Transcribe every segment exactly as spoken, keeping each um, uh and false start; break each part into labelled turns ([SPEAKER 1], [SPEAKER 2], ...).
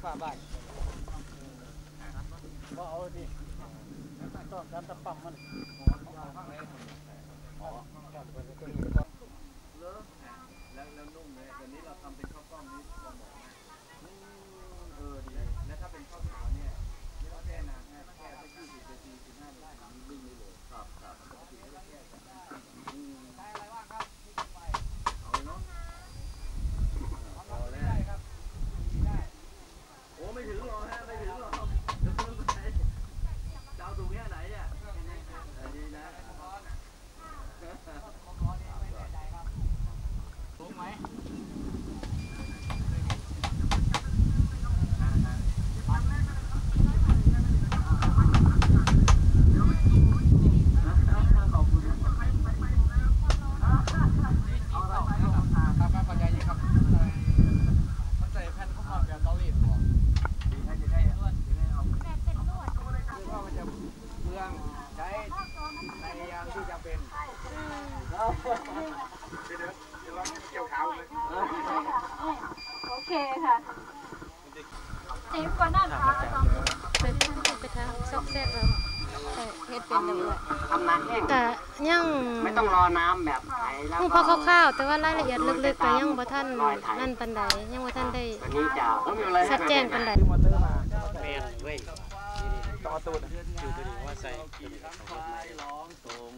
[SPEAKER 1] ฝาบ้านก็เอาดิต้องการตะปั่มมันอ๋อแล้วแล้วนุ่มเลยตอนนี้เราทำเป็นข้าวกล้องนี้ลองบอกนะเออดีแล้วถ้าเป็นข้าวเหนียวเนี่ยไม่ต้องแช่นานนะแค่สักยี่สิบนาทีสิบห้านาทีนิ่งเลยเลยครับครับปกติก็แค่ใช้อะไรบ้างครับเอาเลยเนาะเอาเลยครับโอ้ไม่ถึงหรอกฮะไม่ถึงหรอกจะเพิ่มไปเจ้าถุงแค่ไหนเนี่ยอันนี้นะถูกไหม
[SPEAKER 2] โอเคค่ะจีบกว่านั่นค่ะ
[SPEAKER 3] ไปไปทางซอกแซกเราแต่เฮ็ดเป็นเลย
[SPEAKER 4] ทำนานแห้ง
[SPEAKER 3] แต่ยัง
[SPEAKER 4] ไม่ต้องรอน้ำแบบไหนแล้ว
[SPEAKER 3] ก็พอคร่าวๆแต่ว่ารายละเอียดลึกๆก็ยังบ่ทันนั่นปานใดยังบ่ทันได้ชัดแจ้งปานใด
[SPEAKER 1] แม่นเว้ยต่อตูดอยู่ตัวนี้ว่าใส่ร้องตรง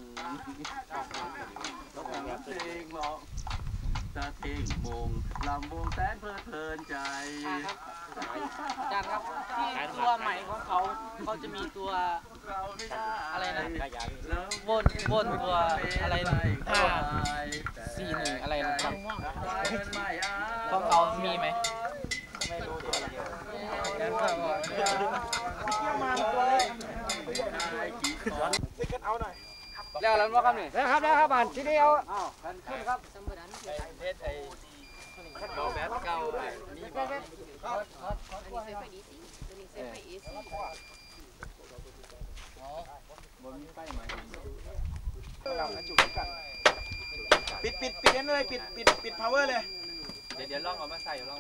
[SPEAKER 1] ต้องแบบเพลงร้องตะเทงมงลำวงแสนเพลิดเพลินใจอาจารย์ครับที่ตัวใหม่ของเขาเขาจะมีตัวอะไรนะวนวนตัวอะไรห้าสี่หนึ่งอะไรนะครับของเขามีไหมไม่รู้ตัวอะไรงั้นก็มาตัวเล็กติดกันเอาหน่อยแล้วแล้วว่าครับนี่แล้วครับแล้วครับบ้านที่เดียวอ้าวกันขึ้นครับเทสไอ้โนแบทเก่ามีบ่อันนี้เซฟไปดีสิตัวนี้เซฟไปอีสิอ๋อบนมีไฟไหมเราจุดกันปิดปิดปิดนั่นเลยปิดปิดปิด power เลยเดี๋ยวเดี๋ยวลองเอามาใส่ลอง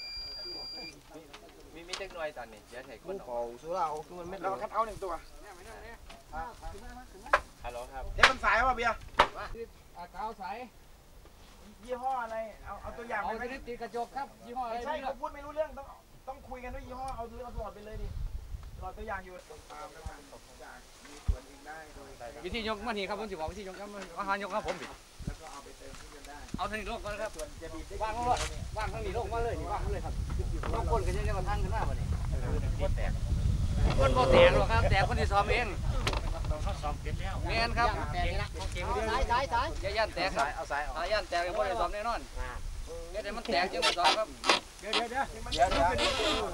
[SPEAKER 1] มีมีเทคโนโลยีตอนนี้เดี๋ยวถ่ายคนเอาสู้เราคือมันไม่เราคัดเอาหนึ่งตัวฮัลโหลครับเอ๊ะมันสายป่ะเบียร์กาวสายยี่ห้ออะไรเอาเอาตัวอย่างไปไหมติดกระจกครับยี่ห้ออะไรไม่ใช่เขาพูดไม่รู้เรื่องต้องต้องคุยกันด้วยยี่ห้อเอาตัวเอาหลอดไปเลยดิหลอดตัวอย่างอยู่ตามประมาณจากมีส่วนเองได้โดยวิธียกมันนี่ครับผมจะบอกวิธียกครับอาหารยกครับผมดิแล้วก็เอาไปเติมที่กันได้เอาทางนี้ลงก่อนครับส่วนจะบีบว่างลงว่างทางนี้ลงมาเลยนี่ว่างเลยครับต้องคนกันยังๆมาทางกันหน้าบ่นี่คนแตกคนบ่แตกหรอกครับแตกคนที่ซ้อมเองเงี้ยครับสายสายสายอย่าย่านแตกครับเอาสายเอาย่านแตกยังไม่ได้ซ้อมแน่นอนเดี๋ยวมันแตกยังไม่ซ้อมครับเดี๋ยวเดี๋ยวเดี๋ยวเดี๋ยวเดี๋ยวเดี๋ยว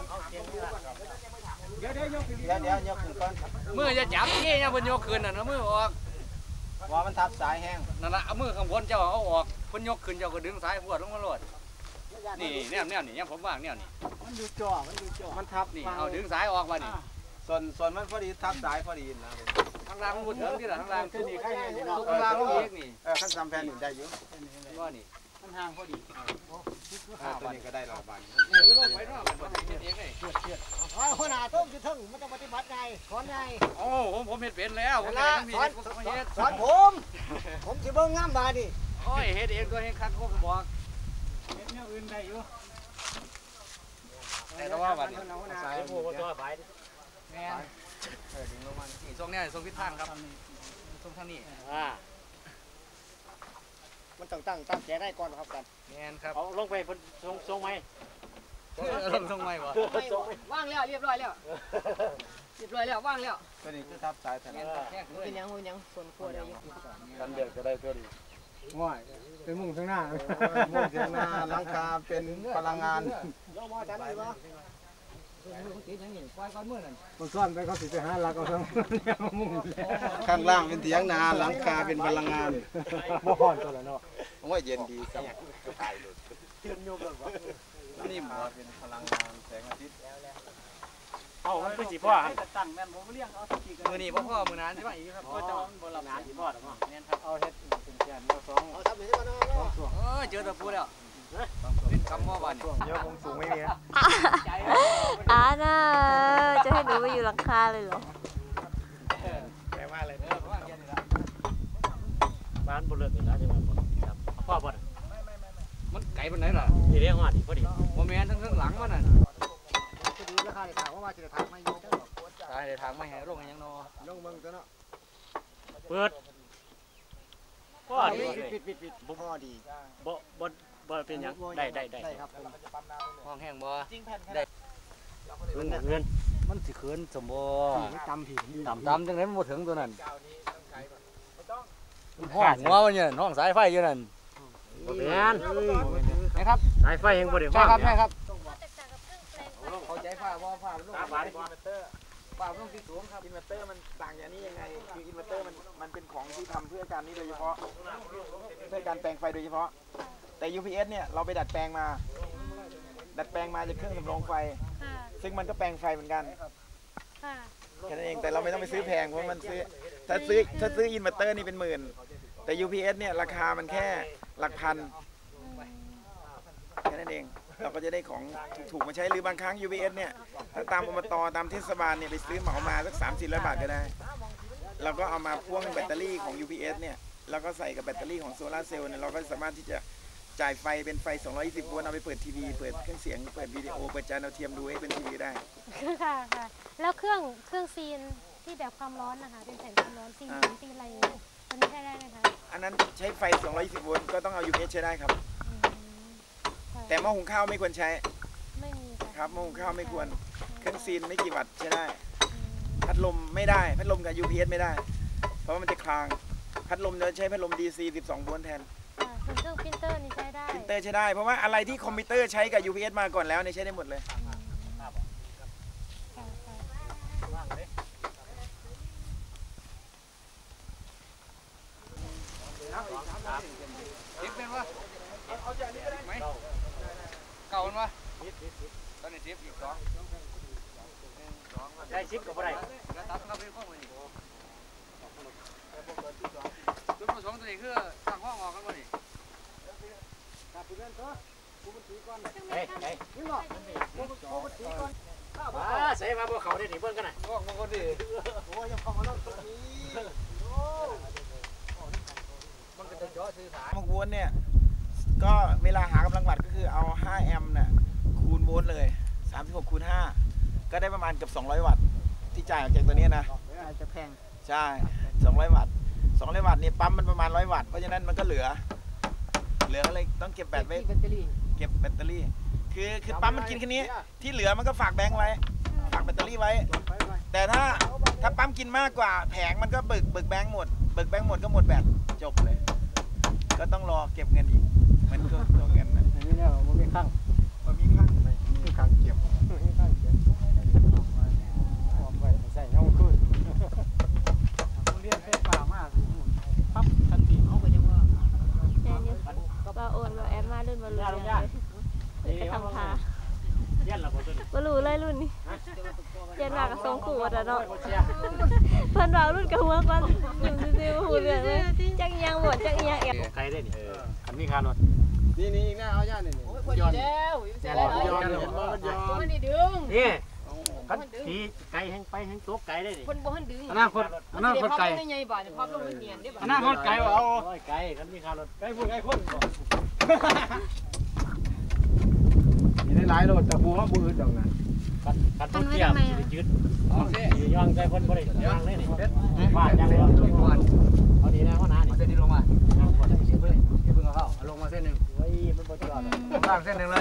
[SPEAKER 1] เดี๋ยวเดี๋ยวเดี๋ยวยกขึ้นก่อนมือจะจับที่เนี่ยบนยกขึ้นน่ะนะมือออกว่ามันทับสายแห้งนั่นแหละเอามือข้างบนเจ้าเอาออกบนยกขึ้นเจ้าก็ดึงสายพวดลงมาโหลดนี่แนวแนวนี่ยังผมว่างแนวนี่มันดูจ่อมันดูจ่อมันทับนี่เอาดึงสายออกมานี่ส่วนส่วนมันพอดีทับสายพอดีนะทางล่างมันพูดถึงที่ไหนทางล่างคือนี่ใครเนี่ยทางล่างลูกเอกนี่เออขั้นซ้ำแผ่นนี่ได้อยู่ก็นี่มันห่างพอดีตัวนี้ก็ได้รอบานนี่คือโลกไว้รอบมันเองเลยเชื่อเชื่ออ๋อคนหาต้มจะถึงมันจะปฏิบัติไงสอนไงโอ้ผมผมเห็นเป็นแล้วผมสอนสอนผมผมจะเบิ่งงามบาดิโอ้ยเฮ็ดเองตัวเองคัดผมบอกเฮ็ดแนวอื่นได้อยู่แต่ว่าบัดนี้สายโอ้โหตัวใบแม่เออดึงลงมานี่ทรงนี้ทรงทิศทางครับทรงทางนี้อ่ามันต้องตั้งตั้งใจได้ก่อนครับกันแม่นครับเอาลงไปทรงทรงไหมลงทรงไหมวะว่างแล้วเรียบร้อยแล้วเรียบร้อยแล้วว่างแล้วตัวนี้คือทับสายแทนเป็นยังเป็นยังส่วนขั้วได้ยังกันเดือดก็ได้ตัวดีง่ายเป็นมุ่งข้างหน้ามุ่งข้างหน้าหลังคาเป็นพลังงานเรามาจันดีวะมันซ่อนไปเขาสิไปหาหลักเอาทั้งข้างล่างเป็นเถียงนาหลังคาเป็นพลังงานบ่ฮ้อนตัวละเนาะผมว่าเย็นดีครับเย็นโยมแบบว่านิ่มเป็นพลังงานแสงอาทิตย์เอามันคือสีพ่อตั้งแม่นผมเลี้ยงเอาสักทีกันมือนี่พ่อพ่อมือนานใช่ไหมอีกครับก็จะบนหลับสีพ่อหรือเปล่าเนี่ยครับเอาเฮ็ดเป็นแกนเอาสองเอาทำหนึ่งก่อนเนาะเออเจอตะปูแล้วคำว่าบ้านเยอะคงสูงไม่มี
[SPEAKER 5] อ่าน่าจะให้หนูไปอยู่หลังคาเลยเหรอ
[SPEAKER 1] แปลว่าอะไรเนี่ย
[SPEAKER 4] บ้านบุรุษนี่นะจังหวัดบุรีครับพ่อบ่น
[SPEAKER 1] มันไก่ปานไหนล่ะ
[SPEAKER 4] นี่เรียกว่าดีพอดี
[SPEAKER 1] โมเมนทั้งทั้งหลังมันน่ะ
[SPEAKER 6] จะดูราคาได้ถามว่าว่าจะถามไม่ยุ่งจังหรอก
[SPEAKER 1] ตายในทางไม่แห้ลงยังนอ
[SPEAKER 6] ลงเมืองตัวเนาะ
[SPEAKER 4] เปิดพ่อดี
[SPEAKER 6] ปิดปิดปิดพ่อดี
[SPEAKER 4] บ่บ่บ่เป็นหยังได้ได้ได้
[SPEAKER 6] ได้ครับผม
[SPEAKER 1] ห้องแห้งบ่
[SPEAKER 4] เงินเงิน
[SPEAKER 1] มันสิเขินสมบ่
[SPEAKER 6] ไม่จำผิด
[SPEAKER 1] ต่ำต่ำจังนั้นมันบ่ถึงตัวนั้นห้องหัวมันเนี่ยห้องสายไฟอยู่นั่น
[SPEAKER 4] บ่เป็นหยัง
[SPEAKER 1] นะครับ
[SPEAKER 4] สายไฟยังบ่ได้
[SPEAKER 1] ใช่
[SPEAKER 4] วาง
[SPEAKER 1] ครับใช่ครับ
[SPEAKER 3] แตกต่างกับเครื่องแปลงไฟ
[SPEAKER 1] เข้าใจฟ้าบ่ฟ้าลง
[SPEAKER 4] ครับบาท
[SPEAKER 1] ฟ้าลงที่สูงครับ
[SPEAKER 6] อินเวอร์เตอร์มันต่างจากนี้ยังไงคืออินเวอร์เตอร์มันมันเป็นของที่ทำเพื่อการนี้โดยเฉพาะเพื่อการแปลงไฟโดยเฉพาะแต่ ยู พี เอส เนี่ยเราไปดัดแปลงมา ดัดแปลงมาจากเครื่องสำรองไฟ
[SPEAKER 3] ค่ะ
[SPEAKER 6] ซึ่งมันก็แปลงไฟเหมือนกัน
[SPEAKER 3] ค่ะ
[SPEAKER 6] แค่นั้นเองแต่เราไม่ต้องไปซื้อแพงเพราะมันซื้อถ้าซื้อถ้าซื้ออินเวอร์เตอร์นี่เป็นหมื่นแต่ ยู พี เอส เนี่ยราคามันแค่หลักพันแค่นั้นเองเราก็จะได้ของถูกๆมาใช้หรือบางครั้ง ยู พี เอส เนี่ยถ้าตามอบตตามเทศบาลเนี่ยไปซื้อเหมามาสักสามสี่ร้อยบาทก็ได้เราก็เอามาพ่วงแบตเตอรี่ของ ยู พี เอส เนี่ยแล้วก็ใส่กับแบตเตอรี่ของโซลาร์เซลล์เนี่ยเราก็สามารถที่จะจ่ายไฟเป็นไฟสองร้อยยี่สิบโวลต์เอาไปเปิดทีวีเปิดเครื่องเสียงเปิดวิดีโอเปิดจานดาวเทียมดูให้เป็นทีวีได้
[SPEAKER 3] ค่ะค่ะแล้วเครื่องเครื่องซีนที่แบบความร้อนนะคะเป็นแผ่นความร้อนซีนหินซีนอะไรอย่างเงี้ยตัวนี้ใช้ได้ไหมคะ
[SPEAKER 6] อันนั้นใช้ไฟสองร้อยยี่สิบโวลต์ก็ต้องเอา ยู พี เอส ใช้ได้ครับ
[SPEAKER 3] อืมค่ะ
[SPEAKER 6] แต่หม้อหุงข้าวไม่ควรใช้
[SPEAKER 3] ไม่มีะ
[SPEAKER 6] ครับหม้อหุงข้าวไม่ควรเครื่องซีนไม่กี่วัตต์ใช้ได้
[SPEAKER 3] อืม
[SPEAKER 6] พัดลมไม่ได้พัดลมกับ ยู พี เอส ไม่ได้ เพราะว่ามันจะคลางพัดลมจะใช้พัดลม ดี ซี สิบสองโวลต์แทน
[SPEAKER 3] ค่ะส่วนเครื่องพิมพ์เตอร์นี่ใช้ได้
[SPEAKER 6] พิมพ์เตอร์ใช้ได้เพราะว่าอะไรที่คอมพิวเตอร์ใช้กับ ยู พี เอส มาก่อนแล้วเนี่ยใช้ได้หมดเลย
[SPEAKER 3] ค่ะค่ะ
[SPEAKER 1] ทิปเป็นวะไหมเก่ามันวะตอนนี้ทิปอีกสอง
[SPEAKER 4] ได้ชิปก็บ่ได้
[SPEAKER 1] แล้วตัดเข้าไปข้อมือนี่จุดประสงค์ตัวนี้คือตั้งห้องออกกันวะนี่
[SPEAKER 4] เฮ้ยเฮ้ยอ่าใส่มาบ่เข้าได้นี่เบิ่งกันน่ะ
[SPEAKER 1] ห้องมันก็ดีมันก็จะย่อสื่อสาร
[SPEAKER 6] หกโวลต์เนี่ยก็เวลาหากำลังวัตต์ก็คือเอาห้าแอมป์น่ะคูณโวลต์เลยสามสิบหกคูณห้าก็ได้ประมาณเกือบสองร้อยวัตต์ที่จ่ายออกจากตัวนี้นะ
[SPEAKER 2] จะแพง
[SPEAKER 6] ใช่สองร้อยวัตต์สองร้อยวัตต์นี่ปั๊มมันประมาณร้อยวัตต์เพราะฉะนั้นมันก็เหลือ เหลือก็เลยต้องเก็บแบตไว้
[SPEAKER 2] แบตเตอรี่
[SPEAKER 6] เก็บแบตเตอรี่ คือคือปั๊มมันกินแค่นี้ที่เหลือมันก็ฝากแบงค์ไว้ฝากแบตเตอรี่ไว้ แต่ถ้าถ้าปั๊มกินมากกว่าแผงมันก็เบิกเบิกแบงค์หมดเบิกแบงค์หมดก็หมดแบตจบเลย ก็ต้องรอเก็บเงินอีกมันก็ตัวเงินนะ
[SPEAKER 2] นี่เนี่ยมันมีข้าง
[SPEAKER 6] มันมีข้าง
[SPEAKER 2] มีข้างเก็บมีข้างเก็บความไว้ใส่เงาขึ้นเรียนไฟฟ้ามากปั๊บทันทีเขาไปยังว่า
[SPEAKER 5] แอนอยู่ว่าโอนว่าแอมมารุ่นบ่รู้เรื่องเลยเลยจะทำทา
[SPEAKER 4] เรียนแล้วบ่ตัวนี้
[SPEAKER 5] บ่รู้เลยรุ่นนี้เรียนมากับทรงขู่ว่าแต่เนาะเพิ่นว่ารุ่นกับหัวก่อนอยู่ซื่อๆบ่ฮู้เรื่องเลยจักอีหยังบ่จักอีหยังแอบ
[SPEAKER 4] ไกลได้นี่คันมีค่ารถ
[SPEAKER 2] นี่นี่อีกหน้าเอาย่านี่นี่ย้อนแล้วย้อนเห็นบ่มันย้อนมันนี่ดึง
[SPEAKER 4] นี่คันขี่ไกลแห่งไปแห่งตกไกลได้นี่
[SPEAKER 2] คนบ่หันดึง
[SPEAKER 1] อนาคตอนาคตไก่
[SPEAKER 2] ใหญ่บาดภาพลงมันเนียนได้บาด
[SPEAKER 1] อนาคตไก่เอา
[SPEAKER 4] โอ้ยไกลคันมีค่ารถ
[SPEAKER 1] ไก่พูดไก่คน
[SPEAKER 2] มีได้หลายรถแต่หัวบ่อึดดอกนะ
[SPEAKER 4] คันคันรถเทียบสิยืดสิย่องใจคนบ่ได้ย่างเลยนี่ว่าจังเลยเอาดีนะพ่อน้านี่
[SPEAKER 1] เส้นนี้ลงมาอย่าเพิ่งเอาเข้าลงมาเส้นหนึ่ง
[SPEAKER 4] เฮ้ยมันบ่จอด
[SPEAKER 1] ล่างเส้นหนึ่งเลย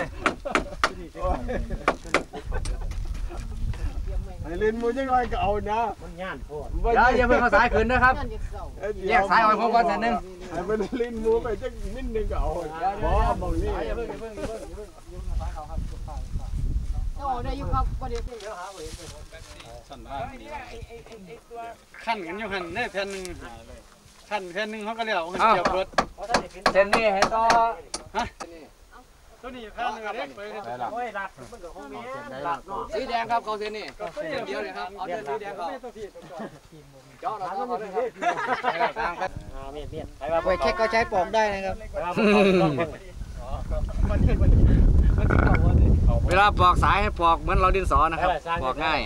[SPEAKER 2] ไอ้ลินมูจังไรก็เอานะ
[SPEAKER 4] มันย่านโพด
[SPEAKER 1] อย่าอย่าเพิ่งเอาสายขึ้นนะครับแยกสายออกพร้อมกันเส้นหนึ่ง
[SPEAKER 2] ไอ้มันลินมูไปจังนิดนึงก็เอาบ่มองนี่
[SPEAKER 1] อย่าเพิ่งอย่าเพิ่งอย่าเพิ่งอย่าเพิ่งยืมสายเขาครับ
[SPEAKER 2] โอ้ได้อยู่ครับบ่ได้เดี๋ยวหา
[SPEAKER 1] สั่นว่าขั้นกันอยู่ขั้นเนี่ยแผ่นหนึ่งขั้นแผ่นหนึ่งเขาก็เรียกว่าเกี่ยวรถเส้นนี้ให้ต่อฮะตัวนี้แผ่นหนึ่งเล็กไปเลย
[SPEAKER 4] โอ้ยรัดมันก็คงมีรัดเนาะ
[SPEAKER 1] สีแดงครับเขาเส้นนี้เส้นเดียวเลยครับเอาเส้นสีแดงเขาเจาะเราต้องเอาเลยครับ
[SPEAKER 4] อ่าเมียดเมียดไปว่า
[SPEAKER 2] ไปเช็คก็ใช้ปอกได้นะครับ
[SPEAKER 4] ไปว่าต้อง
[SPEAKER 1] เวลาปอกสายให้ปอกเหมือนเราดินสอนะครับปอกง่าย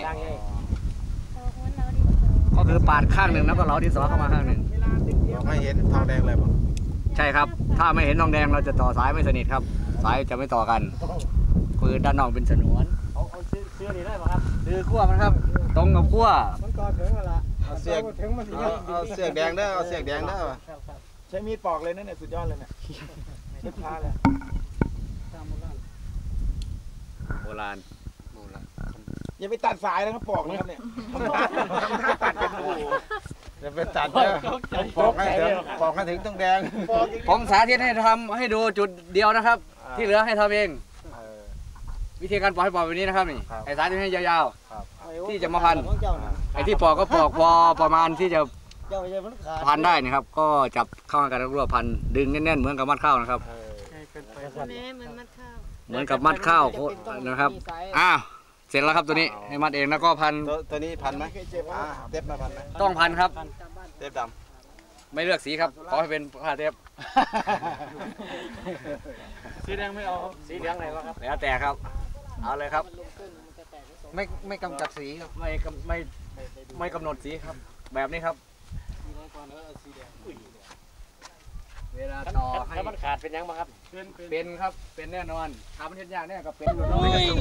[SPEAKER 1] ก็คือปาดข้างหนึ่งแล้วก็เราดินสอเข้ามาข้างหนึ่ง
[SPEAKER 2] ไม่เห็นทองแดงเลยป่ะ
[SPEAKER 1] ใช่ครับ ถ้าไม่เห็นทองแดงเราจะต่อสายไม่สนิทครับ สายจะไม่ต่อกันคือด้านนอกเป็นฉนวน
[SPEAKER 4] เอาเอาซื้อซื้อนี่ได้ป่ะครับ
[SPEAKER 1] คือขั้วมันครับ ตรงกับขั้ว
[SPEAKER 2] มันก่อถึงแล้วล่ะเอาเสียก
[SPEAKER 7] ถึงมันเอาเสียกแดงเด้อเอาเสียกแดงเด้อ
[SPEAKER 6] ใช้มีดปอกเลยนั่นเนี่ยสุดยอดเลยเนี่ยเช็ดผ้าเลย
[SPEAKER 1] โบราณ
[SPEAKER 6] อย่าไปตัดสายนะครับปอกนะครับเนี่ยทำท่าตัดกันโอ้โห
[SPEAKER 7] จะไปตัดเด้อปอกให้ถึงปอกให้ถึงต้องแดง
[SPEAKER 1] ผมสาธิตให้ทำให้ดูจุดเดียวนะครับ ที่เหลือให้ทำเอง วิธีการปอกให้ปอกแบบนี้นะครับนี่ไอ้สายที่ให้ยาวๆที่จะมาพันไอ้ที่ปอกก็ปอกพอประมาณที่จะพันได้นะครับ ก็จับเข้ากันแล้วรวบพันดึงแน่นๆเหมือนกับมัดข้าวนะครับ
[SPEAKER 3] แม่เหมือนมัดข้าว
[SPEAKER 1] เหมือนกับมัดข้าวนะครับอ้าวเสร็จแล้วครับตัวนี้ให้มัดเองแล้วก็พัน
[SPEAKER 7] ตัวตัวนี้พันไหมอ่าเต็บมาพันไหม
[SPEAKER 1] ต้องพันครับ
[SPEAKER 7] เต็บด
[SPEAKER 1] ไม่เลือกสีครับขอให้เป็นผ้าเทป
[SPEAKER 4] สีแดงไม่เอาครับสีเหลืองไหนวะครับ
[SPEAKER 1] แล้วแต่ครับเอาเลยครับ
[SPEAKER 7] ำไม่ไม่กำจัดสีครับ
[SPEAKER 1] ไม่กำไม่ไม่กำหนดสีครับ แบบนี้ครับเวลาต่อให้
[SPEAKER 4] ถ้ามันขาดเป็นยังบ้างครับ
[SPEAKER 1] เป็นครับเป็นแน่นอนทำมันเห็นยากแน่ก็เป็นอยู่แล้ว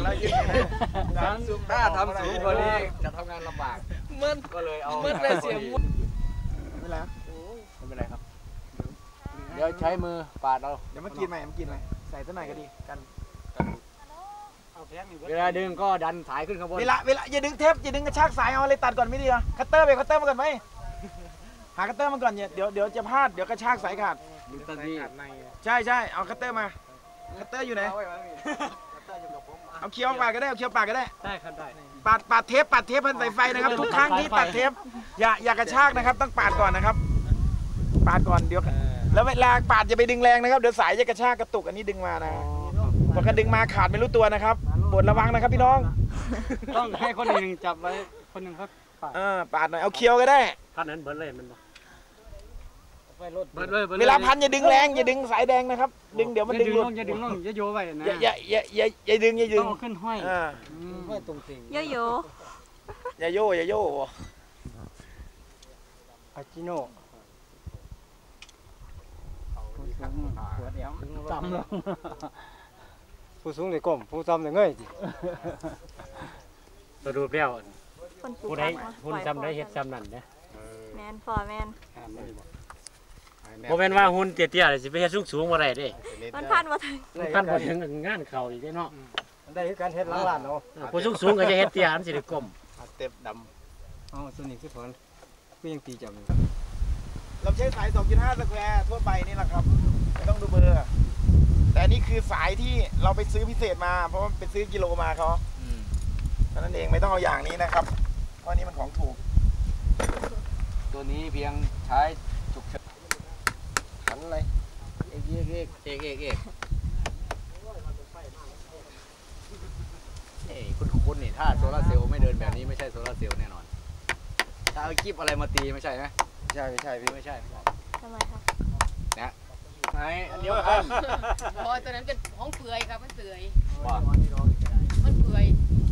[SPEAKER 1] ถ้าทำสูงกว่านี้จะทำงานลำบากมันก็เลยเอามันเลยเสียมุด
[SPEAKER 6] ไม่เป็นไร
[SPEAKER 1] ไม่เป็นไรครับเดี๋ยวใช้มือปาดเอา
[SPEAKER 6] เดี๋ยวมากินใหม่มากินใหม่ใส่ตัวไหนก็ดีกัน
[SPEAKER 1] เวลาดึงก็ดันสายขึ้นข้างบน
[SPEAKER 6] เวลาเวลาอย่าดึงเทปอย่าดึงกระชากสายเอาอะไรตัดก่อนไม่ดีเหรอคัตเตอร์ไปคัตเตอร์มาก่อนไหมหาคัตเตอร์มาก่อนเนี่ยเดี๋ยวเดี๋ยวจะพลาดเดี๋ยวกระชากสายขาด
[SPEAKER 1] ดึงทันที
[SPEAKER 6] ใช่ใช่เอาคัตเตอร์มาคัตเตอร์อยู่ไหนเอาเคี้ยวปาดก็ได้เอาเคี้ยวปาดก็ได้
[SPEAKER 4] ได้ครับได้
[SPEAKER 6] ปาดปาดเทปปาดเทปพันสายไฟนะครับทุกครั้งที่ตัดเทปอย่าอย่ากระชากนะครับต้องปาดก่อนนะครับปาดก่อนเดี๋ยวแล้วเวลาปาดอย่าไปดึงแรงนะครับเดี๋ยวสายจะกระชากกระตุกอันนี้ดึงมานะพอกระดึงมาขาดไม่รู้ตัวนะครับโปรดระวังนะครับพี่น้อง
[SPEAKER 2] ต้องให้คนหนึ่งจับไว้คนหนึ่งครับปาด
[SPEAKER 6] เออปาดหน่อยเอาเคี้ยวก็ได้
[SPEAKER 4] พันนั้นเบิร์ดเลยมันบ่
[SPEAKER 2] ไปรถ
[SPEAKER 1] เบิดเลยบิด
[SPEAKER 6] เวลาพันอย่าดึงแรงอย่าดึงสายแดงนะครับ ดึงเดี๋ยวมัน
[SPEAKER 2] อย่า
[SPEAKER 6] ดึ
[SPEAKER 2] ดึ
[SPEAKER 6] ง
[SPEAKER 2] ง
[SPEAKER 6] หลุ
[SPEAKER 2] ล
[SPEAKER 6] ด
[SPEAKER 2] งอย่าดึงลงอย่าโยไว้นะ
[SPEAKER 6] อย่าอย่าอย่าอย่าอย่าดึงอย่าดึ
[SPEAKER 2] ต้อง งเอาขึ้นห้อย
[SPEAKER 6] อ่า
[SPEAKER 2] ห้อยตรงติ่ง
[SPEAKER 5] โยโย่
[SPEAKER 6] อย่าโย่อย่าโย่
[SPEAKER 2] อาจิโน่หัวเดียวต่ำลงผู้สูงเลยก้มผู้ต่ำเลยเงยสิ
[SPEAKER 4] ตัวดูเปรี้ยว
[SPEAKER 5] คนปลูก
[SPEAKER 4] ผู้ใด
[SPEAKER 5] ผัก
[SPEAKER 4] ผู้จำได้เฮ็ดจำนั่นเนี่ย
[SPEAKER 5] แมนฟอร์แมน
[SPEAKER 4] โมเป็นว่าหุ่นเตี้ยๆเลยสิไปเฮ็ดสูงๆบ่ได้เด้
[SPEAKER 5] มันพันมาถึง
[SPEAKER 4] มันพันบ่ถึงงานเข้าอีกเนาะ
[SPEAKER 2] ได้การเฮ็ดล้างล้านเนาะ
[SPEAKER 4] ผู้สูงๆก็จะเฮ็ดเตี้ยมันสิได้ก้ม
[SPEAKER 7] เต็บด
[SPEAKER 2] อ๋อส่วนนี้คือถอนก็ยังตีจับอยู่
[SPEAKER 6] เราใช้สาย สองจุดห้า สแควร์ทั่วไปนี่แหละครับไม่ต้องดูเบอร์แต่อันนี่คือสายที่เราไปซื้อพิเศษมาเพราะว่าไปซื้อกิโลมาเขาเท่านั้นเองไม่ต้องเอาอย่างนี้นะครับเพราะนี่มันของถูก
[SPEAKER 1] ตัวนี้เพียงใช้ฉุกเฉินขันอะไรเอกเอกเอกเอกเอกเอกเอ้คุณคุณนี่ถ้าโซลาร์เซลล์ไม่เดินแบบนี้ไม่ใช่โซลาร์เซลล์แน่นอนถ้าเอาคลิปอะไรมาตีไม่ใช่ไหม
[SPEAKER 7] ำใช่ไม่ใช่พี่
[SPEAKER 1] ไม่ใช่
[SPEAKER 5] ทำไมครับ
[SPEAKER 1] นะไหนอันเดียวกัน
[SPEAKER 8] พอตัวนั้นเป็นห้องเปื่อยครับมันเปื่อย
[SPEAKER 1] ว่า
[SPEAKER 8] มันเปื่อย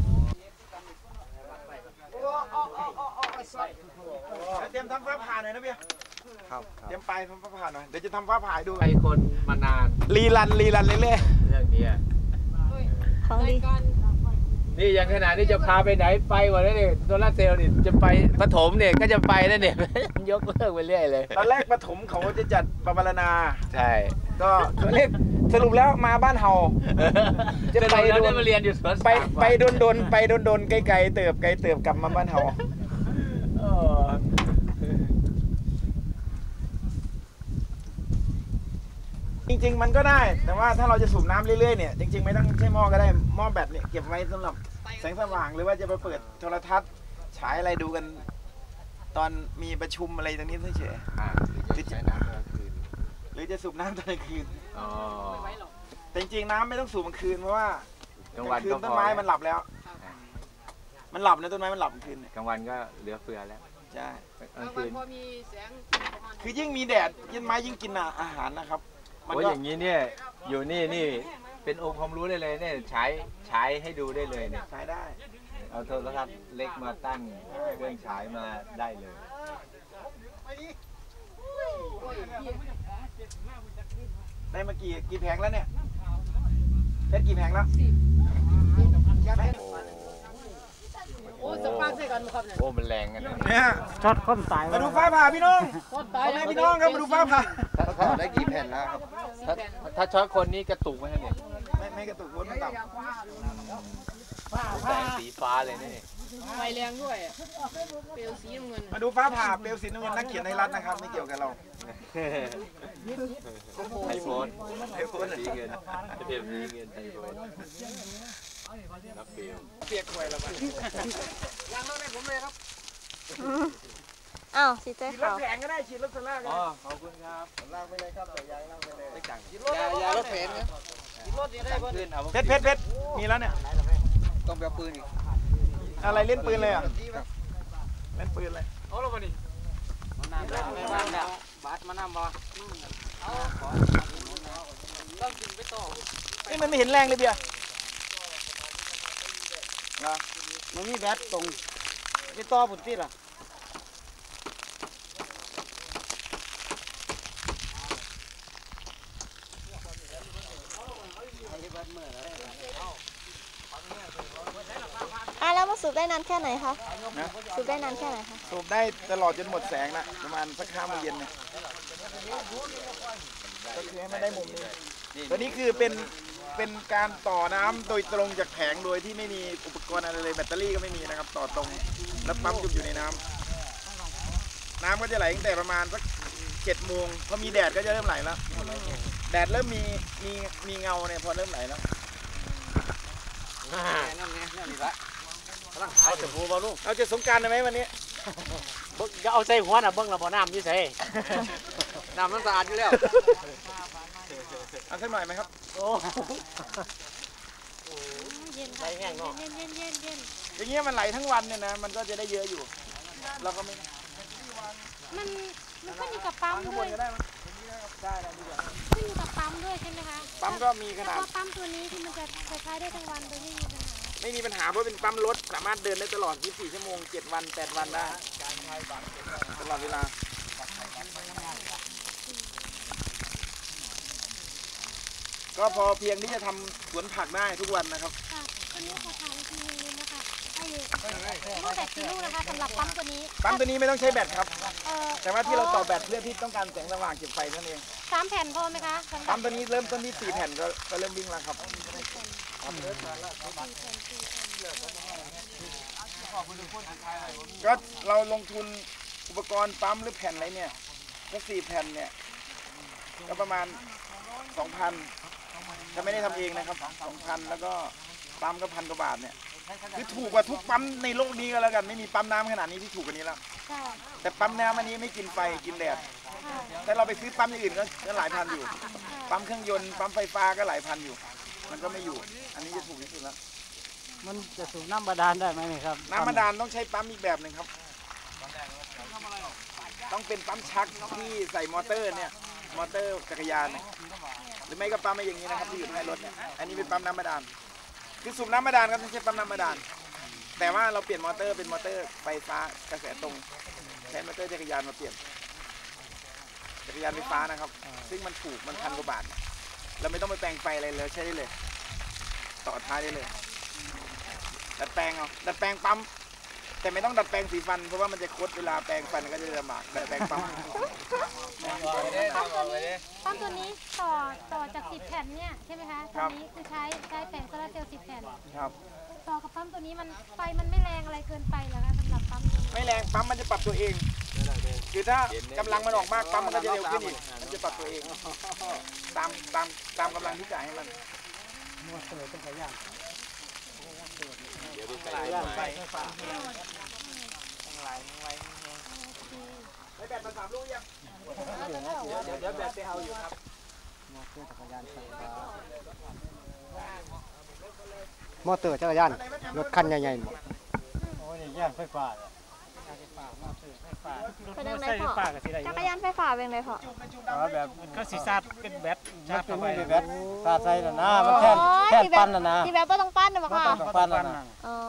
[SPEAKER 6] เตรียมทำฟ้าผ่าหน่อยนะเบียร์ครับเตรียมไปทำฟ้าผ่าหน่อยเดี๋ยวจะทำฟ้าผ่าให้ดู
[SPEAKER 4] ไปคนมานาน
[SPEAKER 6] รีรันรีรันเรื่อย
[SPEAKER 4] เรื่องนี้
[SPEAKER 5] ของดี
[SPEAKER 1] นี่อย่างขนาดนี้จะพาไปไหนไปวะเนี่ยโซลาร์เซลล์นี่จะไปปฐมเนี่ยก็จะไปนั่นเนี่ย ยกเลิกไปเรื่อยเลย
[SPEAKER 6] ๆตอนแรกปฐมเขาจะจัดปปารณา
[SPEAKER 1] ใช่
[SPEAKER 6] ก็เรียกสรุปแล้วมาบ้านเฮา
[SPEAKER 1] จะไปโดนมาเรียนอยู่สวน
[SPEAKER 6] ไปไปโดนโดนไปโดนโดนไกลๆเติบไกลเติบกลับมาบ้านเฮาจริงๆมันก็ได้แต่ว่าถ้าเราจะสูบน้ำเรื่อยๆเนี่ยจริงๆไม่ต้องใช้หม้อก็ได้หม้อแบตเนี่ยเก็บไว้สำหรับแสงสว่างหรือว่าจะไปเปิดโทรทัศน์ฉายอะไรดูกัน ตอนมีประชุมอะไรตรงนี้เฉย
[SPEAKER 1] อ่า
[SPEAKER 6] ๆหรือจะหรือจะสูบน้ำตอนกลางคืน
[SPEAKER 1] อ๋อ
[SPEAKER 6] แต่จริงๆน้ำไม่ต้องสูบกลางคืนเพราะว่าก
[SPEAKER 1] ลางวัน
[SPEAKER 6] คื
[SPEAKER 1] ก็
[SPEAKER 6] น
[SPEAKER 1] พ
[SPEAKER 6] ต้
[SPEAKER 1] อน
[SPEAKER 6] ไม้มันหลับแล้ว มันหลับนะต้นไม้มันหลับกลางคืนเนี่ย
[SPEAKER 1] กลางวันก็เหลือเฟือแล้ว
[SPEAKER 6] ใช่
[SPEAKER 1] กลาง
[SPEAKER 8] บางวั
[SPEAKER 1] คื
[SPEAKER 8] น
[SPEAKER 1] น
[SPEAKER 8] พอมีแสงประมาณ
[SPEAKER 6] คือยิ่งมีแดดยิ่งไม้ยิ่งกินอาหารนะครับ มัน
[SPEAKER 7] โอ้ย
[SPEAKER 6] ก็
[SPEAKER 7] อย่างนี้เนี่ยอยู่นี่นี่เป็นองค์ความรู้ได้เลยเนี่ยใช้ใช้ให้ดูได้เลยเนี่ย
[SPEAKER 6] ใช้ได้
[SPEAKER 7] เอาโทรทัศน์เล็กมาตั้งเครื่องฉายมาได้เลย
[SPEAKER 6] ได้มากี่กี่แผงแล้วเนี่ยเพชรกี่แผงแล้ว
[SPEAKER 8] โอ้สปังใส่กันครับเนี่ย
[SPEAKER 7] โอ้มันแรงกันนะ
[SPEAKER 6] เนี่ย
[SPEAKER 2] ช็อตคนตาย
[SPEAKER 6] มาดูฟ้าผ่าพี่น้อง
[SPEAKER 8] คนตาย
[SPEAKER 6] พ่อแม่พี่น้องครับมาดูฟ้าผ่า
[SPEAKER 7] ถ้าได้กี่แผ่นแล้วครับถ้าถ้าช็อตคนนี้กระตุกไหมเนี่ย
[SPEAKER 6] ไม่ไม่กระตุกวนไม่ต่ำ
[SPEAKER 7] แสงสีฟ้าเลยนี่
[SPEAKER 8] ไฟแรงด้วยเปลวสีน้ำเงิน
[SPEAKER 6] มาดูฟ้าผ่าเปลวสีน้ำเงินนักเขียนในรัฐนะครับไม่เกี่ยวกับเรา
[SPEAKER 7] ไอโฟน
[SPEAKER 6] ไอโฟน
[SPEAKER 7] สีเงินเปลี่ยนสีเงินไอโฟนนักเบล
[SPEAKER 6] เปียกหวยแล้วมั้ง
[SPEAKER 5] อ้าวสีใจ
[SPEAKER 6] ฉีดรถ
[SPEAKER 5] ขาว
[SPEAKER 6] แข็งก็ได้ฉีดรถสลากก็
[SPEAKER 7] อ๋อ
[SPEAKER 6] ได้
[SPEAKER 7] ขอบคุณครับ
[SPEAKER 6] ลากไปเลยครับแต่ยางลากไปเลย
[SPEAKER 7] ไม่จัง
[SPEAKER 6] ยายารถแข็งนะ
[SPEAKER 8] รถนี่ได้บ่
[SPEAKER 7] ขึ้นเอา
[SPEAKER 6] เพชรเพชรเพชรมีแล้วเนี่ย
[SPEAKER 1] ต้องไปเอาปืนอีก
[SPEAKER 6] อะไรเล่นปืนเลยอ่ะเล่นปืนเลย
[SPEAKER 1] เอาแล้วบ่นี่น้ำได้บ้านแล้วบาดมาน้ำบ่ต้องกินไปต่อ
[SPEAKER 6] นี่มันไม่เห็นแรงเลยเบียร์นะ
[SPEAKER 2] มันมีแบตตรงไปต่อปุ่นติดล่ะ
[SPEAKER 5] อ่ะแล้วมาสูบได้นานแค่ไหนคะสูบได้นานแค่ไหนคะ
[SPEAKER 6] สูบได้ตลอดจนหมดแสงนะประมาณสักห้าโมงเย็นเนี่ยก็คือให้มันได้มุมนี้ตัวนี้คือเป็นเป็นการต่อน้ำโดยตรงจากแผงโดยที่ไม่มีอุปกรณ์อะไรเลยแบตเตอรี่ก็ไม่มีนะครับต่อตรงแล้วปั๊มจุ่มอยู่ในน้ำน้ำก็จะไหลตั้งแต่ประมาณสักเจ็ดโมงพอมีแดดก็จะเริ่มไหลแล้วแดดเริ่มมีมีมีเงาเนี่ยพอเริ่มไหลแล้ว
[SPEAKER 1] นั่นไงนั่นนี่ละ
[SPEAKER 4] เอาจะพูบ่ลูก
[SPEAKER 6] เอาจะสงกรารได้ไหมวันนี้
[SPEAKER 4] จะเอาใส่หัวน่ะเบิ่งละบ่น้ำอยู่ใส่
[SPEAKER 1] น้ำมันสะอาดอยู่แล้ว
[SPEAKER 6] เอาสักหน่อยไหมครับ
[SPEAKER 4] โอ้
[SPEAKER 3] เย็นค่ะเย็นเย็นเย็นเย็นเย็น
[SPEAKER 6] อย่างเงี้ยมันไหลทั้งวันเนี่ยนะมันก็จะได้เยอะอยู่ เราก็ไม่
[SPEAKER 3] มันมันขึ้นอยู่กับปั๊ม
[SPEAKER 6] ข้างบ
[SPEAKER 3] ด้วย
[SPEAKER 6] นก็ได้มั้ยได้ได้ดีกว่า
[SPEAKER 3] ขึ้นอยู่กับปั๊มด้วยใช่ไหมคะ
[SPEAKER 6] ปั๊มก็มีขนาด
[SPEAKER 3] เพราะปั๊มตัวนี้ที่มันจะจะใช้ได้ทั้งวันโดยไม่มีปัญหา
[SPEAKER 6] ไม่มีปัญหาเพราะเป็นปั๊มรถสามารถเดินได้ตลอดยี่สิบสี่ชั่วโมงเจ็ดวันแปดวันได้ตลอดเวลาก็พอเพียงที่จะทำสวนผักได้ทุกวันนะครับ
[SPEAKER 3] ค่ะตัวนี้ขอถามอีกทีนึงนะคะไอ้ลูกแบตกี่ลูกนะคะสำหรับปั๊มตัวนี้
[SPEAKER 6] ปั๊มตัวนี้ไม่ต้องใช้แบตครับ
[SPEAKER 3] เอ่อ
[SPEAKER 6] แต่ว่าที่เราต่อแบตเพื่อที่ต้องการแสงสว่างเก็บไฟนั่นเอง
[SPEAKER 3] สามแผ่นพอไหมคะสำหรั
[SPEAKER 6] ปั๊
[SPEAKER 3] บ
[SPEAKER 6] มตัวนี้เริ่มต้นที่สี่แผ่นก็ก็เริ่มวิ่งแล้วครับก็เราลงทุนอุปกรณ์ปั๊มหรือแผ่นอะไรเนี่ยก็สี่แผ่นเนี่ยก็ประมาณสองพันจะไม่ได้ทำเองนะครับสองพันแล้วก็ปั๊มก็พันกว่าบาทเนี่ยคือถูกกว่าทุกปั๊มในโลกนี้ก็แล้วกันไม่มีปั๊มน้ำขนาดนี้ที่ถูกกว่านี้แล้ว
[SPEAKER 3] ค่ะ
[SPEAKER 6] แต่ปั๊มน้ำอันนี้ไม่กินไฟกินแดดแต่เราไปซื้อปั๊มอย่างอื่นก็ก็หลายพันอยู่ ปั๊มเครื่องยนต์ปั๊มไฟฟ้าก็หลายพันอยู่ มันก็ไม่อยู่ อันนี้จะถูกที่สุดแล้ว
[SPEAKER 2] มันจะสูบน้ำบาดาลได้ไหมนี่ครับ
[SPEAKER 6] น้ำบาดาลต้องใช้ปั๊มอีกแบบหนึ่งครับ ต้องเป็นปั๊มชักที่ใส่มอเตอร์เนี่ยมอเตอร์จักรยานเนี่ยหรือไม่ก็ปั๊มอะไรอย่างนี้นะครับที่อยู่ท้ายรถเนี่ยอันนี้เป็นปั๊มน้ำบาดาลคือสูบน้ำบาดาลก็ต้องใช้ปั๊มน้ำบาดาลแต่ว่าเราเปลี่ยนมอเตอร์เป็นมอเตอร์ไฟฟ้ากระแสตรงใช้มอเตอร์จักรยานมาเปลี่ยนจักรยานไฟฟ้านะครับ ซึ่งมันถูกมันพันกว่าบาทเราไม่ต้องไปแปลงไฟอะไรเลยใช้ได้เลย ต่อท้ายได้เลยดัดแปลงเอาดัดแปลงปั๊มแต่ไม่ต้องดัดแปลงสีฟันเพราะว่ามันจะคดเวลาแปลงฟันก็จะลำบากดัดแปลงปั๊ม
[SPEAKER 3] ปั๊มตัวนี้ปั๊มตัวนี้ต่อต่อจากสิบแผ่นเนี่ยใช่ไหมคะตัวนี้คือใช้ใช้แผงโซลาร์เซลล์สิบแผ่น
[SPEAKER 6] ครับ
[SPEAKER 3] ต่อกับปั๊มตัวนี้มันไฟมันไม่แรงอะไรเกินไปเหรอคะสำหรับปั๊มตัวนี้
[SPEAKER 6] ไม่แรงปั๊มมันจะปรับตัวเอง คือถ้ากำลังมันออกมากปั๊มมันก็จะเร็วขึ้นอีกมันจะปรับตัวเองตามตามตามกำลังที่จ่ายให้มัน
[SPEAKER 2] มัวเตยต้องขยัน
[SPEAKER 7] เดี๋ยวดูใส่ไฟ
[SPEAKER 6] ได้แบตมาสามลูกยังเดี๋ยวเดี๋ยวแบตไปเอาอยู่ครับ
[SPEAKER 2] มัวเตยจักรยานไฟฟ้ามอเตอร์จักรยานรถคันใหญ่ๆหมดโอ้ยนี่ย่างไฟฟ้าเลย
[SPEAKER 5] เป็นยังไงพ่อจักรยานไฟฟ้าเป็นไงพ่อ
[SPEAKER 2] แบบก็สีซาดเป็นแบตชาร์จเข้าไปเป็นแบตซาดใส่แล้วนะมันแค่แค่ปั้นแล้วนะ
[SPEAKER 5] ที่แบบว่าต้องปั้นนะบ่ค่ะ
[SPEAKER 2] ต้องปั้นแล้วนะ
[SPEAKER 5] อ๋อ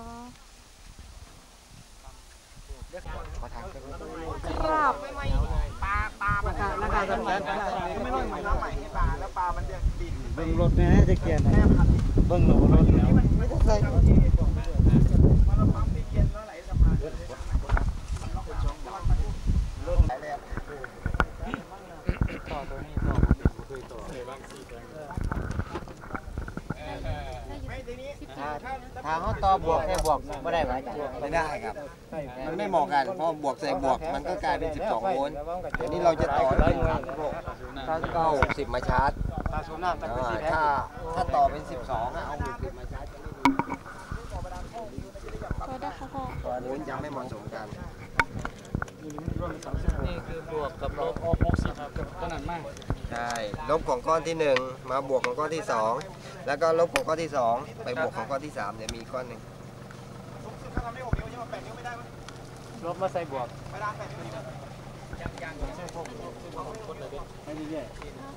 [SPEAKER 5] ครับ
[SPEAKER 6] ปลาปลามันราคาต้องแพงไม่ต้องมาใหม่ให้ปลาแล้วปลามันจะดิน
[SPEAKER 2] เบิ่งรถนะจะเกียร์นะเบิ่งรถรถไม่ต้องใส่มันเราปั๊มที่เกียร์แล้วไหลสะพานรถไหลเลยต่อตัวนี้ต่อเคยต่อเลยบางสี่ตัว
[SPEAKER 9] ถ้าเขาต่อบวกแค่บวกไม่ได้ไหมไม่ได้ครับมันไม่เหมาะกันเพราะบวกใส่บวกมันก็กลายเป็นสิบสองโวลต์เดี๋ยวนี้เราจะต่อได้ก็หกสิบมาชาร์จถ้าถ้าต่อเป็นสิบสองเอาหกสิบมาชาร์จตัวนี้ยังไม่เหมาะสมกัน
[SPEAKER 4] นี่คือบวกกับลบหกสิบครับขนาดมาก
[SPEAKER 9] ใช่ลบของก้อนที่หนึ่งมาบวกของก้อนที่สองแล้วก็ลบของก้อนที่สองไปบวกของก้อนที่สามเดี๋ยวมีก้อนหนึ่ง
[SPEAKER 2] ลบมาใส่บวก
[SPEAKER 3] ไม่ได้แย่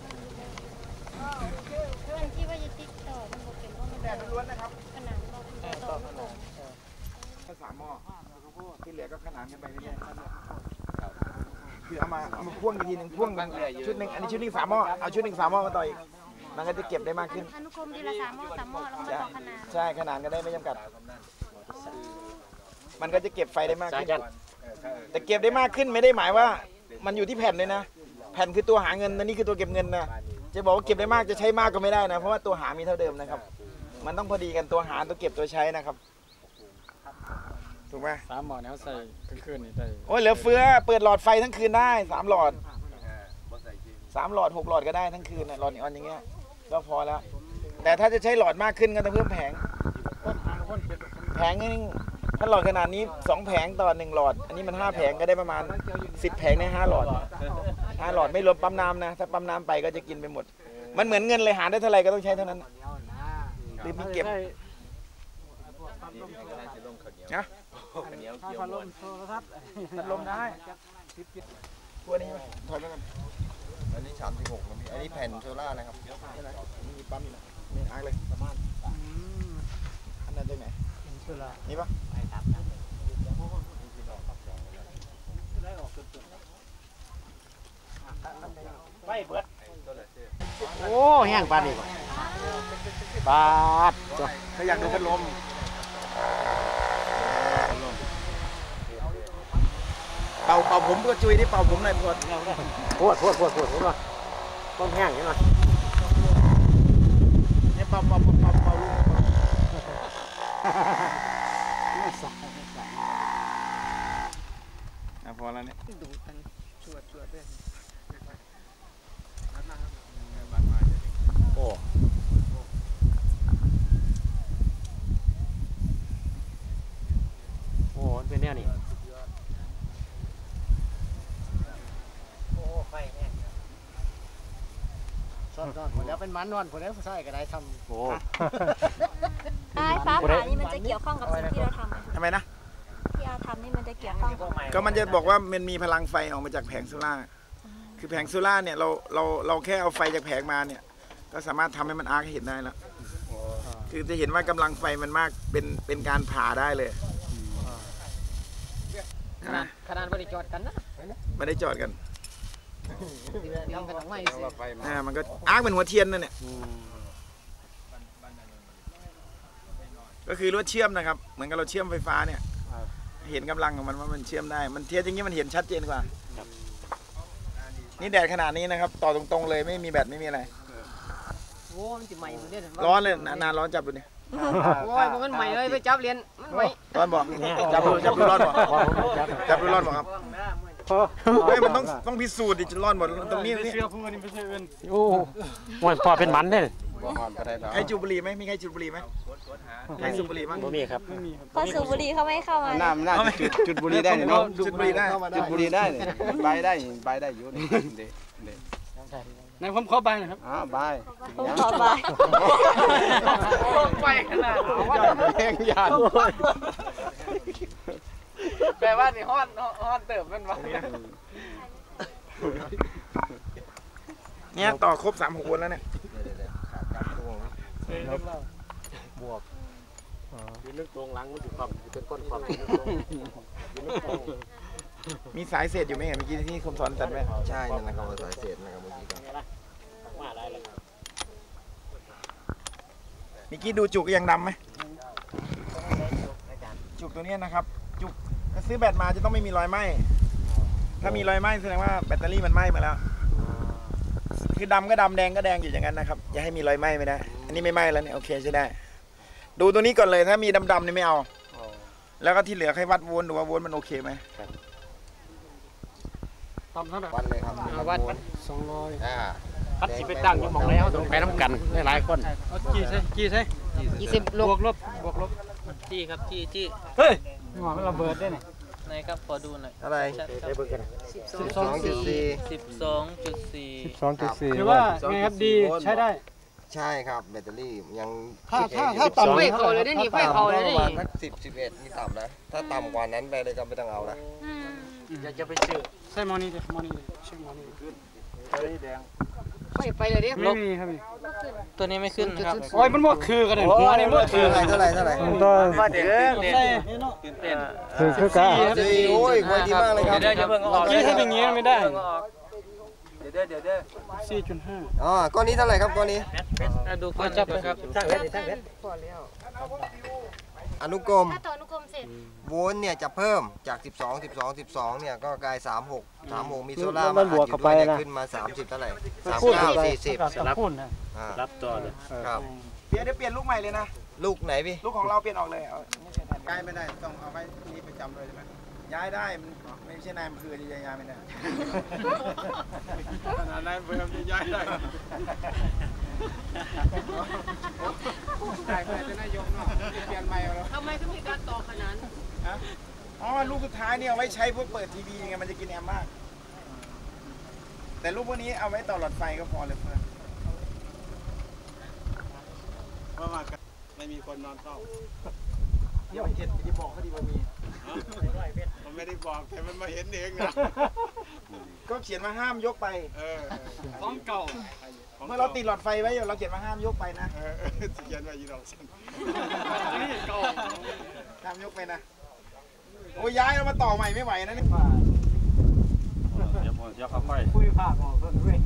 [SPEAKER 3] เพื่อนที่ว่าจะติ๊กต่อมันบอกเป็นเพราะมันแดดล้วนนะครับขนาดเราต่อไม่ตรง
[SPEAKER 6] แค่สามหม้อที่เหลือก็ขนานกันไปเรื่อยๆคือเอามาเอามาพ่วงอีกทีหนึ่งพ่วงกันชุดหนึ่งอันนี้ชุดหนึ่งสามหม้อเอาชุดหนึ่งสามหม้อมาต่ออีกมันก็จะเก็บได้มากขึ้น
[SPEAKER 3] อนุกรมทีละสามหม้อสามหม้อแล้วก็ต่อขนาด
[SPEAKER 6] ใช่ขนาดก็ได้ไม่จำกัดมันก็จะเก็บไฟได้มากขึ้นแต่เก็บได้มากขึ้นไม่ได้หมายว่ามันอยู่ที่แผ่นเลยนะแผ่นคือตัวหาเงินนะนี่คือตัวเก็บเงินนะจะบอกว่าเก็บได้มากจะใช้มากก็ไม่ได้นะเพราะว่าตัวหามีเท่าเดิมนะครับมันต้องพอดีกันตัวหาตัวเก็บตัวใช้นะครับถูกไหม
[SPEAKER 2] สามหม้อเนี่ยใส่คืนๆนี่ได้
[SPEAKER 6] โอ้ยเหลือเฟือเปิดหลอดไฟทั้งคืนได้สามหลอดสามหลอดหกหลอดก็ได้ทั้งคืนนะหลอดนีออนอย่างเงี้ยก็พอแล้วแต่ถ้าจะใช้หลอดมากขึ้นก็ต้องเพิ่มแผงแผงนี่ถ้าหลอดขนาดนี้สองแผงต่อหนึ่งหลอดอันนี้มันห้าแผงก็ได้ประมาณสิบแผงในห้าหลอดห้าหลอดไม่รวมปั๊มน้ำนะถ้าปั๊มน้ำไปก็จะกินไปหมดมันเหมือนเงินเลยหาได้เท่าไรก็ต้องใช้เท่านั้นหรือมีเก็บนะพัดลมโทรทัศน์พัดลมได้ตัวนี้ถอยไปกัน
[SPEAKER 9] อันนี้สามสิบหกอันนี้แผ่นโซล่านะครับ
[SPEAKER 6] นี่มีปั๊มอยู่นะนี่อาร์เลยประมาณอันนั้นได้ไหมนี่ปะ
[SPEAKER 2] ไฟเบิดโอ้แห้งปานนี้ปาดจ้ะ
[SPEAKER 6] ถ้าอยากดูพัดลมเป่าเป่าผมก็จุยที่เป่าผมหน่อยพอด
[SPEAKER 2] ปวดปวดปวดปวดปวดต้องแห้งนี่หน่อย
[SPEAKER 6] เนี่ยเป่าเป่าเป่าเป่าเป่าพอแล้วเนี่ยดูกันชวดชวดด้วย
[SPEAKER 2] โอ้โหเป็นแนวนี้
[SPEAKER 9] โอ้ไฟแห้งซ่อนๆหมดแล้วเป็นมันนอนผมแล้วผู้ชายก็ได้ทำโอ้
[SPEAKER 5] ไอ้ฟ้าผ่านี่มันจะเกี่ยวข้องกับสิ่งที่เราทำ
[SPEAKER 6] ทำไมนะ
[SPEAKER 5] ที่เราทำนี่มันจะเกี่ยวข้อง
[SPEAKER 6] ก็มันจะบอกว่ามันมีพลังไฟออกมาจากแผงโซล่าคือแผงโซล่าเนี่ยเราเราเราแค่เอาไฟจากแผงมาเนี่ยก็สามารถทำให้มันอาร์คเห็นได้แล้วคือจะเห็นว่ากำลังไฟมันมากเป็นเป็นการผ่าได้เลย
[SPEAKER 8] นะขนาดไม่ได้จอดกันนะ
[SPEAKER 6] ไม่ได้จอดกัน
[SPEAKER 8] ทำกันทำไม
[SPEAKER 6] อ่ามันก็อาร์คเป็นหัวเทียนนั่นเนี่ยก็คือรถเชื่อมนะครับเหมือนกับเราเชื่อมไฟฟ้าเนี่ยเห็นกำลังของมันว่ามันเชื่อมได้มันเทียนอย่างนี้มันเห็นชัดเจนกว่านี่แดดขนาดนี้นะครับต่อตรงๆเลยไม่มีแบตไม่มีอะไร
[SPEAKER 8] โอ้มันจะใหม่เหมือนเดิม
[SPEAKER 6] ร้อนเลยนานร้อนจับดูเนี่ย
[SPEAKER 8] โอ้ยมันใหม่เลยไปจับเรียนมันใหม่
[SPEAKER 6] ร้อนบอกจับดูจับดูร้อนบอกจับดูร้อนบอกครับเฮ้ยมันต้องต้องพิสูจน์ดิจะร้อนหมดตรงนี้นี่
[SPEAKER 2] โอ้หมันพอเป็นมันเนี่ย
[SPEAKER 6] ใครจูบุรีไหมมีใครจูบุรีไหมใครสูบบุหรี่มั้ง
[SPEAKER 2] ไม่มีครับ
[SPEAKER 5] พอสูบบุหรี่เขาไม่เข้ามา
[SPEAKER 9] น้ำน่าจุดจุดบุหรี่ได้เนาะจุดบุหรี่ได้จุดบุหรี่ได้ใบได้ใบได้อยู่นี่เด็ดเด็ด
[SPEAKER 2] นายผมขอใบนะครับ
[SPEAKER 9] อ๋อใบ
[SPEAKER 5] ผมขอใบ
[SPEAKER 8] ไปขนาด
[SPEAKER 9] แย่งยาน
[SPEAKER 8] แปลว่านี่ฮ้อนฮ้อนเติมมันวะ
[SPEAKER 6] เนี่ยต่อครบสามหกวนแล้วเนี่ย
[SPEAKER 4] บวกยืนลึกตรงหลังมันอยู่ความเป็นก้นความ
[SPEAKER 6] มีสายเศษอยู่ไหมเห็นเมื่อกี้ที่คมสอนตัดไว้
[SPEAKER 9] ใช่นั่นนะครับสายเศษนะครับเมื่อกี้ครับ
[SPEAKER 4] มาได้เลย
[SPEAKER 6] เมื่อกี้ดูจุกยังดำไหมจุกตัวนี้นะครับ จุกถ้าซื้อแบตมาจะต้องไม่มีรอยไหม้ถ้ามีรอยไหม้แสดงว่าแบตเตอรี่มันไหม้มาแล้ว คือดำก็ดำแดงก็แดงอยู่อย่างนั้นนะครับอย่าให้มีรอยไหม้ไม่ได้อันนี้ไม่ไหม้แล้วเนี่ยโอเคใช่ได้ดูตัวนี้ก่อนเลยถ้ามีดำๆนี่ไม่เอาแล้วก็ที่เหลือให้วัดโวลต์ดูว่าโวลต์มันโอเคไหม
[SPEAKER 2] ต่ำเท่าไหร่
[SPEAKER 9] วัดเลยครับ
[SPEAKER 8] วัด
[SPEAKER 2] สองร้อย
[SPEAKER 9] อ่า
[SPEAKER 4] พัดสิไปตั้งอยู่หม่องแล้วต้องไปน้ำกันหลายคน
[SPEAKER 2] เอากี่ใช่กี่ใช่
[SPEAKER 8] ยี่สิบลู
[SPEAKER 2] บ
[SPEAKER 8] ก
[SPEAKER 2] วกลบบวกลบ
[SPEAKER 10] จี้ครับจี้จี้
[SPEAKER 2] เฮ้ยหมอมันระเบิดได้ไหน
[SPEAKER 10] ไหนครับขอดูหน่อย
[SPEAKER 9] เท่าไหร่
[SPEAKER 10] ชัดค
[SPEAKER 4] ได้
[SPEAKER 10] รับ
[SPEAKER 4] เบิ่งกัน
[SPEAKER 9] สิบสองจุดสี่
[SPEAKER 10] สิบสองจุดสี่
[SPEAKER 2] สิบสองจุดสี่ถือว่าไงครับดีใช้ได้
[SPEAKER 9] ใช่ครับแบตเตอรี่ยัง
[SPEAKER 2] ถ้าถ้าถ้าต่ำ
[SPEAKER 8] ไฟเขาเลยได้นี่ไฟเขาเลยได้
[SPEAKER 9] ประมาณ
[SPEAKER 8] นี่
[SPEAKER 9] สักสิบสิบเอ็ดนี่ต่ำนะถ้าต่ำกว่านั้นไปเลยก็ไม่ต้องเอาละ
[SPEAKER 3] อืม
[SPEAKER 4] อยากจะไปซื้อ
[SPEAKER 2] ใช่มอนี่เลยมอนี่เลยใช่มอนี่ขึ้น
[SPEAKER 8] ไฟไปเลยดิ
[SPEAKER 2] ไม่มีครับนี่
[SPEAKER 10] ตัวนี้ไม่ขึ้นครับ
[SPEAKER 2] โอ้ยมันหมดคือกันเลยหัวนี่หมดคือ
[SPEAKER 9] เท่าไหร่เท่าไหร่เท่าไหร่
[SPEAKER 2] ตัว
[SPEAKER 10] ว่าเด็กเด็ก
[SPEAKER 2] ใช่
[SPEAKER 10] ตื่นเต้น
[SPEAKER 2] คือคือกะ
[SPEAKER 9] สี่โอ้ยควรดีมากเลยครับ
[SPEAKER 10] เดี๋ยวเดี๋ยวเพิ่งออก
[SPEAKER 2] ที่ทำอย่างนี้ไม่ได้
[SPEAKER 10] เดี๋ยวเดี๋ยวเดี๋ยวเดี๋ยว
[SPEAKER 2] สี่จุดห้า
[SPEAKER 9] อ๋อก้อนนี้เท่าไหร่ครับก้อนนี้
[SPEAKER 10] ดูก่อนจับครับ
[SPEAKER 4] ช่างเพชรช่างเพชร
[SPEAKER 9] อนุกรม
[SPEAKER 3] ถ้าต่ออนุกรมเสร็จ
[SPEAKER 9] โวลต์เนี่ยจะเพิ่มจาก สิบสอง สิบสอง สิบสองเนี่ยก็กลาย สามหก สามหกมีโซล่า
[SPEAKER 4] มั
[SPEAKER 9] มาน
[SPEAKER 4] บวก
[SPEAKER 9] อั
[SPEAKER 4] เข้า
[SPEAKER 9] ด
[SPEAKER 4] ไป
[SPEAKER 9] อยู่ด้วย
[SPEAKER 4] นะ
[SPEAKER 9] เนี่ยขึ้นมา สามสิบเท่าไหร่ สาม
[SPEAKER 2] คูณ
[SPEAKER 9] เก้า สี่สิบ
[SPEAKER 2] กับคูณนะ
[SPEAKER 9] อ่า
[SPEAKER 4] รับจอเลย
[SPEAKER 9] ครับ
[SPEAKER 6] เปลี่ยนเดี๋ยวเปลี่ยนลูกใหม่เลยนะ
[SPEAKER 9] ลูกไหนพี่
[SPEAKER 6] ลูกของเราเปลี่ยนออกเลยเอาย้ายไม่ได้ต้องเอาไว้ที่นี่ประจำเลยใช่ไหมย้ายได้มันไม่ใช่นายอำเภอที่จะย้ายไม่ได้ขนาดนายอำเภอจะย้ายได้ได้แต่จะนายกเนาะเปลี่ยนใหม่แล้ว
[SPEAKER 8] ทำไมถึงมีการต่อขนาด
[SPEAKER 6] อ๋อลูกสุดท้ายเนี่ยเอาไว้ใช้พวกเปิดทีวีไงมันจะกินแอมป์มาก แต่ลูกพวกนี้เอาไว้ต่อหลอดไฟก็พอเลยเพื่อนว่ามาไม่มีคนนอนเฝ้าเดี๋ยวเจ็ดที่บอกเขาดีว่ามีผมไม่ได้บอกแต่มันมาเห็นเองนะก็เขียนมาห้ามยกไปเออของเก่าเมื่อเราติดหลอดไฟไว้อยู่เราเขียนมาห้ามยกไปนะเออเขียนไว้ยี่ดอกสั้นนี่เก่าห้ามยกไปนะโอ้ยย้ายเรามาต่อใหม่ไม่ไหวนะนี่
[SPEAKER 4] เดี๋ยวผมจะเข้าไป
[SPEAKER 2] คุยภาคออกเพิ่นด้วย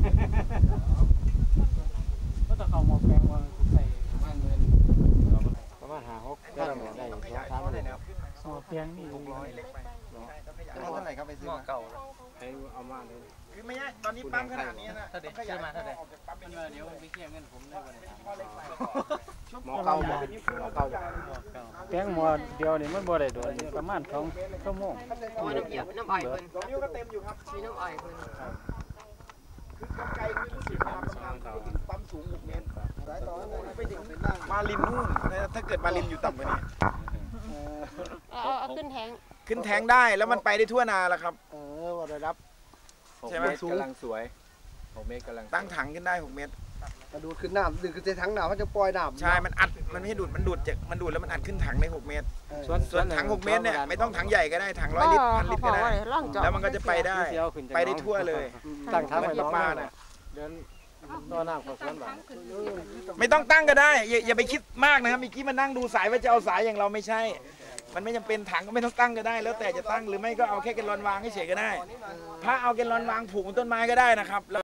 [SPEAKER 2] ก็ต้องเข้าหมอแปลงว่าใส่ประมาณเงิน
[SPEAKER 4] ประมาณห้าหกได้ได้ได้สองสามเลย
[SPEAKER 2] หมอแปลงนี่
[SPEAKER 6] หกร้อยเล็กไป
[SPEAKER 9] เท่าไหร่ครับไปซื้อ
[SPEAKER 10] หม้อ
[SPEAKER 9] มา
[SPEAKER 10] เก่า
[SPEAKER 4] ให้เอามาเลย
[SPEAKER 6] คือไม่ใช่ตอนนี้ปั๊มขนาดนี้นะ
[SPEAKER 10] ถ้าเด็กซื้อมาเท่าไหร่
[SPEAKER 6] ปั๊มเป็น
[SPEAKER 10] เดี๋ยวไปเคลียร์เงินผมได้วันไหน
[SPEAKER 4] หมอเก่าหมอเก่า
[SPEAKER 2] แปลงหมอเดียวนี่มันบ่ได้โดนประมาณสองชั่วโมง
[SPEAKER 8] โอ้ยน้ำเอียบน้ำอ้อยเพิ่น
[SPEAKER 6] สองนิ้วก็เต็มอยู่ครับ
[SPEAKER 8] มีน้ำอ้อยเพิ่น
[SPEAKER 6] คือกำไกคือรู้สึกว่าปั๊มสูงหกเมตรสายต่อไปถึงมาลินนู่นถ้าเกิดมาลินอยู่ต่ำกว่านี้
[SPEAKER 3] เอาเอาขึ้นแทง
[SPEAKER 6] ขึ้นแทงได้แล้วมันไปได้ทั่วนาแล้วครับ
[SPEAKER 2] เออบ่ได้รับ
[SPEAKER 6] ใช่ไหม
[SPEAKER 7] กำลังสวยหกเมตรกำลัง
[SPEAKER 6] ตั้งถังขึ้นได้หกเมตร
[SPEAKER 9] กระดูดขึ้นน้ำดึงขึ้นถังน้ำเขาจะปล่อยน้ำ
[SPEAKER 6] ใช่ มันอัด มันไม่ให้ดูด มันดูดจากมันดูดแล้วมันอัดขึ้นถังได้หกเมตร ส่วนถังหกเมตรเนี่ยไม่ต้องถังใหญ่ก็ได้ ถังร้อยลิตรพันลิตรก็ได้ แล้วมันก็จะไปได้ ไปได้ทั่วเลย
[SPEAKER 4] ตั้งทาง
[SPEAKER 6] เหมื
[SPEAKER 4] ไว้
[SPEAKER 6] อน
[SPEAKER 4] น้อง
[SPEAKER 6] ปลาน่ะ
[SPEAKER 4] เดินตัวน้ำของสวนบ้าน
[SPEAKER 6] ไม่ต้องตั้งก็ได้ อย่าอย่าไปคิดมากนะครับเมื่อกี้มันนั่งดูสายว่าจะเอาสายอย่างเราไม่ใช่ มันไม่จำเป็นถังก็ไม่ต้องตั้งก็ได้ แล้วแต่จะตั้งหรือไม่ก็เอาแค่แกลลอนวางเฉยๆก็ได้ ถ้าเอาแกลลอนวางผูกบนต้นไม้ก็ได้นะครับแล้ว